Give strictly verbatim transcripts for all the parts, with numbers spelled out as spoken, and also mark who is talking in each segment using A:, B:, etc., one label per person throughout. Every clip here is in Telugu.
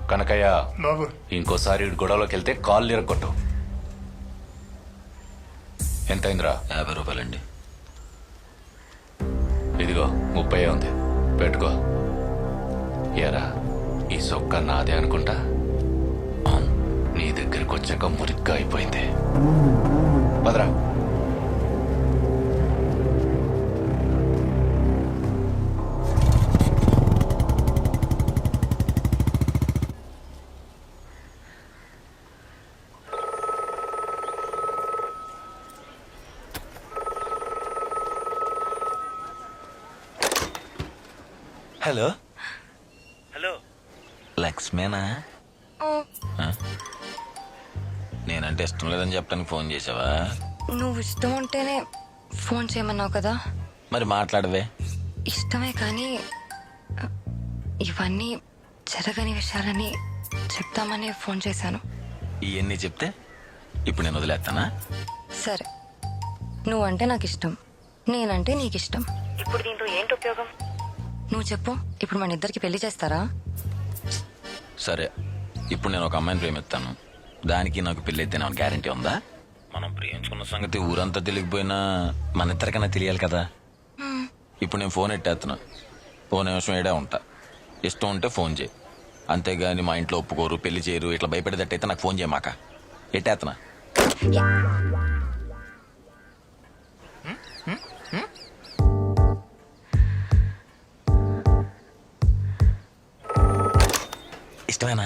A: కనకయ్య
B: బాబు
A: ఇంకోసారి ఈడు గొడవలోకి వెళ్తే కాళ్ళు ఇరగొట్టు. ఎంతైందిరా?
C: యాభై రూపాయలండి.
A: ఇదిగో ముప్పై ఉంది, పెట్టుకో. ఎరా ఈ సొక్క నాదే అనుకుంటా. నీ దగ్గరికి వచ్చాక మురిగ్గా అయిపోయింది. పదరా.
C: హలో
D: హలో
C: లక్ష్మేనా? నేనంటే ఇష్టం లేదని చెప్పడానికి ఫోన్ చేసావా?
E: నువ్వు ఇష్టం ఉంటేనే ఫోన్ చేయమన్నావు కదా.
C: మరి మాట్లాడవే.
E: ఇష్టమే కానీ ఇవన్నీ జరగని విషయాలని చెప్తామని ఫోన్ చేశాను.
C: ఇవన్నీ చెప్తే ఇప్పుడు నేను వదిలేస్తానా?
E: సరే, నువ్వంటే నాకు ఇష్టం, నేనంటే నీకు ఇష్టం. ఇప్పుడు దీంతో ఏంటి ఉపయోగం? నువ్వు చెప్పు. ఇప్పుడు మన ఇద్దరికి పెళ్లి చేస్తారా?
C: సరే, ఇప్పుడు నేను ఒక అమ్మాయిని ప్రేమిస్తాను, దానికి నాకు పెళ్లి అయితే నాకు గ్యారంటీ ఉందా? మనం ప్రేమించుకున్న సంగతి ఊరంతా తెలియకపోయినా మన ఇద్దరికన్నా తెలియాలి కదా. ఇప్పుడు నేను ఫోన్ ఎట్టేస్తున్నా, ఫోన్ నిమిషం ఏడే ఉంటా. ఇష్టం ఉంటే ఫోన్ చేయి, అంతేగాని మా ఇంట్లో ఒప్పుకోరు, పెళ్లి చేయరు, ఇట్లా భయపడేటట్టయితే నాకు ఫోన్ చేయమాక. ఎట్టేస్తున్నా. ఇష్టమేనా?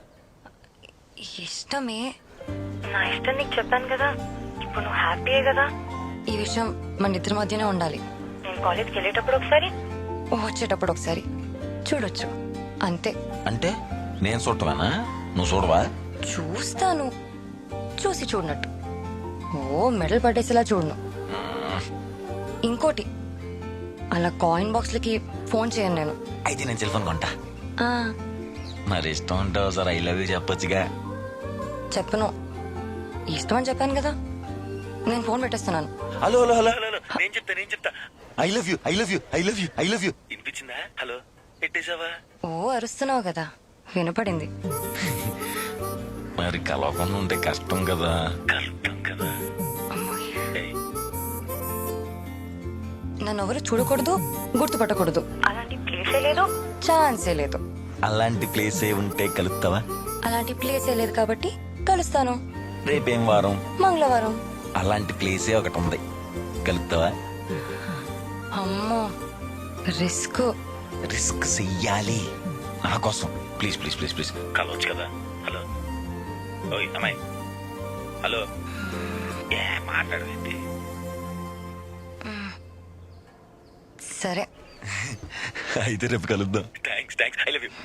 E: ఇష్టమే. నా ఇష్టం నీకు చెప్పాను కదా. ఇప్పుడు నువ్వు హ్యాపీయే కదా. ఈ విషయం మన ఇద్దరి మధ్యనే ఉండాలి. నేను కాలేజ్కి వెళ్ళేటప్పుడు ఒకసారి, వచ్చేటప్పుడు ఒకసారి చూడొచ్చు, అంతే.
C: అంటే నేను చూడటమేనా? నువ్వు చూడవా?
E: చూస్తాను, చూసి చూడనట్టు. ఓ మెడల్ పట్టేసేలా చూడను. ఇంకోటి, అలా కాయిన్ బాక్స్లకి ఫోన్ చేయను నేను.
C: అయితే నేను సెల్ ఫోన్ కొంటా.
E: ఆ,
C: మరి ఇష్టం ఉంటావు సార్, ఐ లవ్ యూ చెప్పొచ్చుగా.
E: చెప్పను. ఇష్టం అని చెప్పాను కదా. నేను ఫోన్ పెట్టేస్తున్నాను.
C: Hello hello hello
D: hello hello నేను చెప్తా నేను చెప్తా
C: I love you I love you I love you I love you.
D: వినిపించిందా? హలో పెట్టేశావా?
E: ఓ అరుస్తున్నావు కదా, వినపడింది.
C: మరి కలవకుండా ఉంటే కష్టం కదా.
D: కలుపుతాం కదా.
E: అమ్మాయి,
D: ఏయ్,
E: నన్ను ఎవరు చూడకూడదు, గుర్తుపట్టకూడదు. అలాంటి ప్లేసే లేదు, ఛాన్సే లేదు.
C: అలాంటి ప్లేస్ ఏ ఉంటే కలుపుతావా?
E: అలాంటి ప్లేసే లేదు కాబట్టి కలుస్తాను.
C: రేపేం వారం?
E: మంగళవారం.
C: అలాంటి ప్లేసే ఒకటి ఉంది, కలుపుతావా?
E: అమ్మో, రిస్క్.
C: రిస్క్ చెయ్యాలి నా కోసం. ప్లీజ్ ప్లీజ్ ప్లీజ్ ప్లీజ్
D: కలవచ్చు కదా. హలో ఓయ్ అమ్మాయి, హలో. ఏ మాట్లాడవేంటి?
E: సరే,
C: అయితే రేపు కలుద్దాం.
D: Thanks thanks I love you.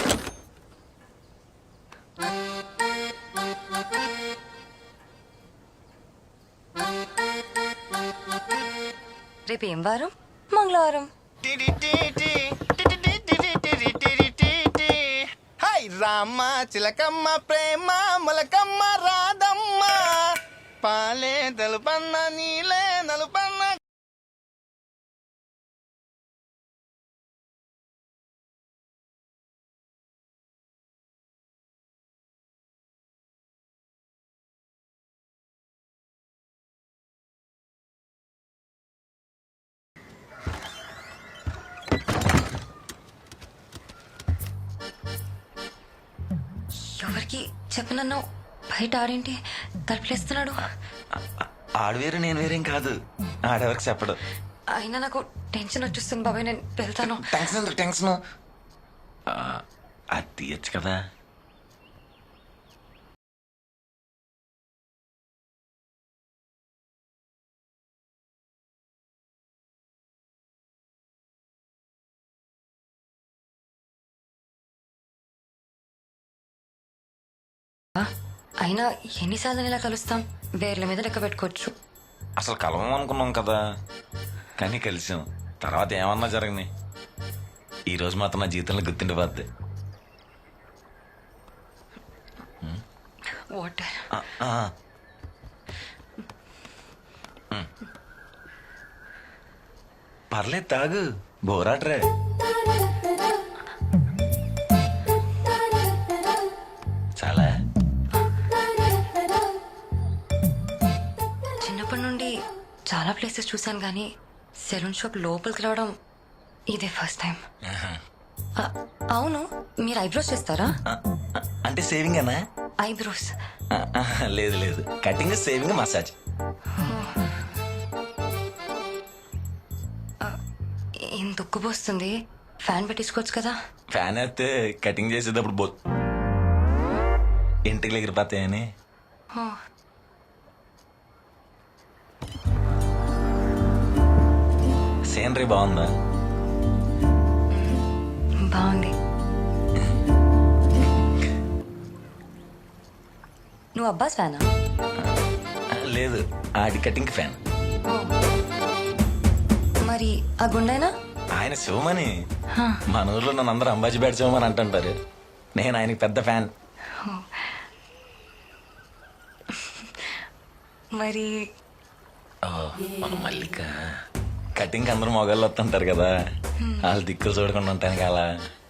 E: రేపు ఏం వారం? మంగళవారం.
B: హాయ్ రామ్మ చిలకమ్మ ప్రేమ మొలకమ్మ రాధమ్మ పాలే తెలుపన్న నీలే నలుపన్న.
E: ఎవరికి చెప్పనన్నావు? బయట ఆడేంటి తలుపులేస్తున్నాడు?
C: ఆడు వేరు నేను వేరేం కాదు, ఆడెవరికి చెప్పడు.
E: అయినా నాకు టెన్షన్ వచ్చేస్తుంది బాబాయ్, నేను వెళ్తాను.
C: టెన్షన్ ఎందుకు? టెన్షన్ అది తీయచ్చు కదా.
E: అయినా ఎన్నిసార్లు ఇలా కలుస్తాం? వేర్ల మీద లెక్క పెట్టుకోవచ్చు.
C: అసలు కలవం అనుకున్నాం కదా, కానీ కలిసాం. తర్వాత ఏమన్నా జరగని, ఈ రోజు మాత్రం నా జీవితంలో గుర్తుండిపోద్ది.
E: వాటర్.
C: పర్లేదు తాగు, బోరాట్రే.
E: చాలా ప్లేసెస్ చూశాను కానీ సెలూన్ షాప్ లోపలికి రావడం ఇదే ఫస్ట్ టైం. అవును, మీరు ఐబ్రోస్ చేస్తారా?
C: అంటే సేవింగ్ అన్నా?
E: ఐబ్రోస్
C: లేదు లేదు, కటింగ్ సేవింగ్ మసాజ్.
E: ఇంత ఉక్కుపోస్తుంది, ఫ్యాన్ పెట్టించుకోవచ్చు కదా.
C: ఫ్యాన్ అయితే కటింగ్ చేసేటప్పుడు బో ఇంటికి ఎగిరిపోతాయని.
E: ఓ,
C: సీనరీ బాగుందా?
E: బాగుంది. నువ్వు అబ్బాస్ ఫ్యానా?
C: లేదు, ఆడి కటింగ్ ఫ్యాన్.
E: ఓ, మరి ఆ గుండైనా?
C: ఆయన శివమని. మన ఊర్లో నన్ను అందరూ అంబాజీ బ్యాట్ శివమని అంటుంటారు. నేను ఆయనకి పెద్ద ఫ్యాన్.
E: మరి
C: మన మల్లిక కటింగ్ అందరూ మొగాళ్ళు వస్తుంటారు కదా, వాళ్ళు దిక్కులు చూడకుండా ఉంటాను అలా.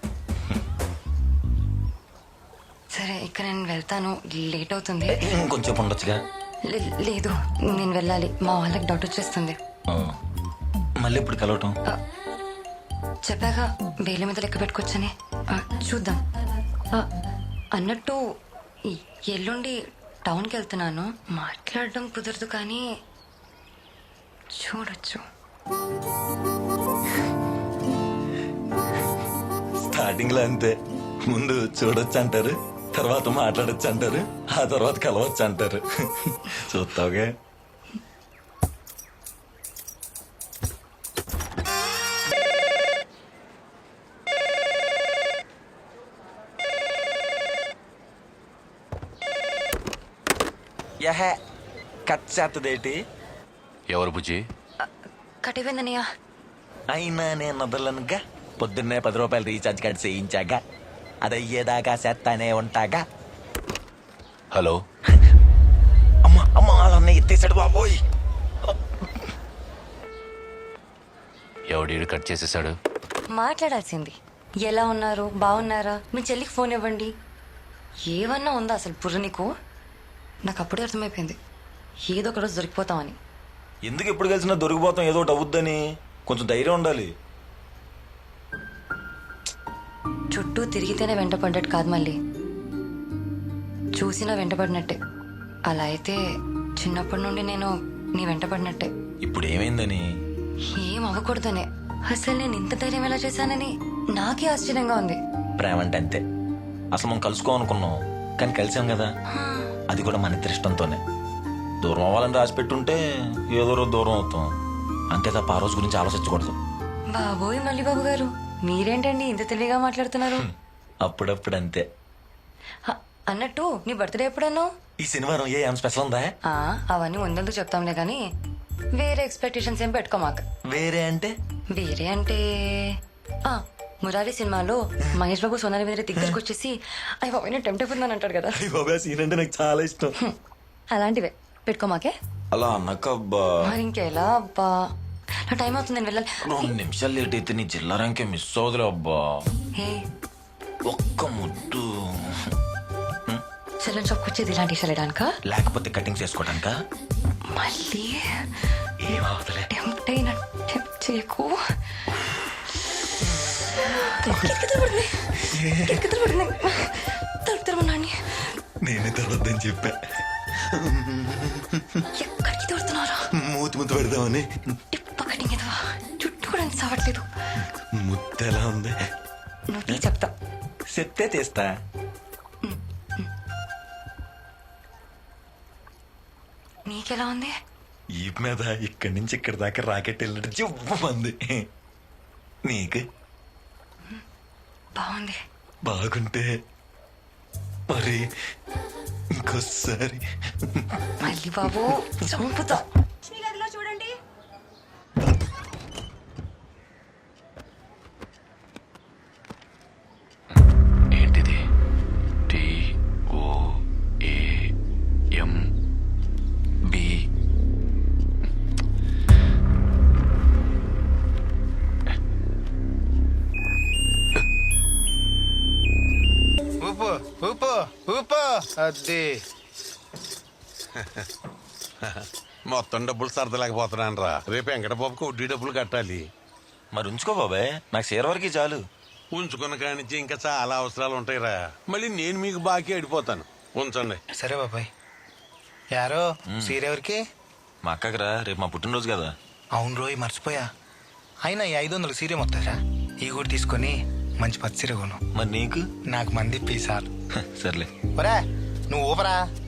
E: సరే, ఇక నేను వెళ్తాను, లేట్ అవుతుంది.
C: ఇంకొంచెం ఉండొచ్చుగా.
E: లే- లేదు, నేను వెళ్ళాలి, మా వాళ్ళకి డౌట్ వచ్చేస్తుంది.
C: ఆ, మళ్ళీ ఇప్పుడు కలవటం?
E: చెప్పాక వేలి మీద లెక్క పెట్టుకోవచ్చని. ఆ, చూద్దాం. ఆ, అన్నట్టు ఈ ఎల్లుండి టౌన్కి వెళ్తున్నాను. మాట్లాడడం కుదరదు కానీ చూడొచ్చు.
C: స్టార్టింగ్ లో అంతే, ముందు చూడొచ్చు అంటారు, తర్వాత మాట్లాడొచ్చు అంటారు, ఆ తర్వాత కలవచ్చు అంటారు. చూస్తావుగా. యహే కట్ చేస్తదేటి?
A: ఎవరు బుజ్జి?
E: కటిపోయిందనయ్య.
C: అయినా నేను వదలనుగా. పొద్దున్నే పది రూపాయలు రీఛార్జ్ కార్డ్ చేయించాక అది అయ్యేదాకా చేస్తానే ఉంటాగా.
A: హలో.
C: అమ్మ అమ్మ వాళ్ళన్న ఎత్తేసాడు బాబోయ్.
A: ఎవడీడు కట్ చేసేసాడు?
E: మాట్లాడాల్సింది. ఎలా ఉన్నారు, బాగున్నారా, మీ చెల్లికి ఫోన్ ఇవ్వండి, ఏమన్నా ఉందా అసలు బుర్ర నీకు? నాకు అప్పుడే అర్థమైపోయింది ఏదో ఒక రోజు దొరికిపోతామని.
C: ఎందుకు ఎప్పుడు కలిసినా దొరికిపోతాం, ఏదో ఒకటి అవుద్దని కొంచెం ధైర్యం ఉండాలి.
E: చుట్టూ తిరిగితేనే వెంటపడ్డట్టు కాదు, మళ్ళీ చూసినా వెంటపడినట్టే. అలా అయితే చిన్నప్పటి నుండి నేను నీ వెంటపడినట్టే.
C: ఇప్పుడు ఏమైందని?
E: ఏం అవ్వకూడదనే. అసలు నేను ఇంత ధైర్యం ఎలా చేశానని నాకే ఆశ్చర్యంగా ఉంది.
C: ప్రేమ అంటే అంతే. అసలు మనం కలుసుకోవాలనుకున్నాం కానీ కలిసాం కదా, అది కూడా మన ఇద్దరి ఇష్టంతోనే. దూరం అవ్వాలని రాసి పెట్టుంటే ఏదో రోజు దూరం అవుతాం అంతే తప్ప ఆ రోజు గురించి ఆలోచించకూడదు.
E: బాబోయ్ మళ్ళీ బాబు గారు, మీరేంటండి ఇంత తెలివిగా మాట్లాడుతున్నారు?
C: అప్పుడప్పుడు అంతే.
E: హ, అన్నట్టు నీ బర్త్డే ఎప్పుడన్నా?
C: ఈ శనివారం ఏ ఏం స్పెషల్ ఉందా?
E: ఆ, అవన్నీ ముందందుకు చెప్తాంలే కానీ వేరే ఎక్స్పెక్టేషన్స్ ఏం పెట్టుకోమాక.
C: వేరే అంటే?
E: వేరే అంటే ఆ మురారి సినిమాలో మహేష్ బాబు సోనాలి మీద దగ్గరికి వచ్చేసి అయ్యి బాబు నేను టెంప్ట్ అయిపోతున్నాను అంటాడు కదా,
C: సీన్ అంటే నాకు చాలా ఇష్టం.
E: అలాంటివే పెట్టుకోమాకే.
C: అలా అన్నకబ్బా.
E: మరి ఇంకెలా అబ్బా, నా టైం అవుతుంది, నేను వెళ్ళాలి.
C: రెండు నిమిషాలు లేట్ అయితే నీ జిల్లా ర్యాంకే మిస్ అవుదులే అబ్బా.
E: హే,
C: ఒక్క ముద్దు.
E: సెలూన్ షాప్కి వచ్చేది ఇలాంటి వెళ్ళడానిక,
C: లేకపోతే కటింగ్ చేసుకోవడానిక?
E: మళ్ళీ
C: ఏమవుతులే.
E: టెంప్ట్ అయిన టెంప్ట్ చేయకు. కిటికీ తెరవడుతుంది. తలుపు తెరవనాన్ని.
C: నేనే తర్వాతని చెప్పా.
E: ఎక్కడికి తోడుతున్నారా?
C: మూతి ముద్దు పెడదామని.
E: టిప్ప కటింగ్ ఎదవా, చుట్టూ కూడా ఎంత సావట్లేదు.
C: ముద్దు ఎలా ఉంది?
E: నువ్వు తీ చెప్తా.
C: చెప్తే తీస్తా.
E: నీకెలా ఉంది?
C: ఈ మీద ఇక్కడి నుంచి ఇక్కడి దాకా రాకెట్ వెళ్ళినట్టు జివ్వమంది. నీకు?
E: బాగుంది.
C: బాగుంటే మరి ఇంకోసారి.
E: మళ్ళీ బాబు చంపుతా.
F: చూడండి.
A: ఏంటిది? T O A M B.
B: ఊపు ఊపు ఊపు. అది
F: మొత్తం డబ్బులు సర్దలేకపోతున్నాను రా. రేపు వెంకటబాబుకి వడ్డీ డబ్బులు కట్టాలి.
C: మరి ఉంచుకో బాబాయ్, నాకు షేర్ వరకు చాలు.
F: ఉంచుకున్న కానించి ఇంకా చాలా అవసరాలు ఉంటాయిరా. మళ్ళీ నేను మీకు బాకీ అడిపోతాను. ఉంచండి.
B: సరే బాబాయ్. యారో సీర ఎవరికి?
C: మా అక్కకి రా, రేపు మా పుట్టినరోజు కదా.
B: అవును రోయ్, మర్చిపోయా. అయినా ఈ ఐదు వందలు సీరే మొత్తారా? ఈ కూడా తీసుకొని మంచి పచ్చి సీర కొను.
C: మరి నీకు?
B: నాకు మంది పీసాలు.
C: సర్లే.
B: ఒరే నువ్వు ఊపరా.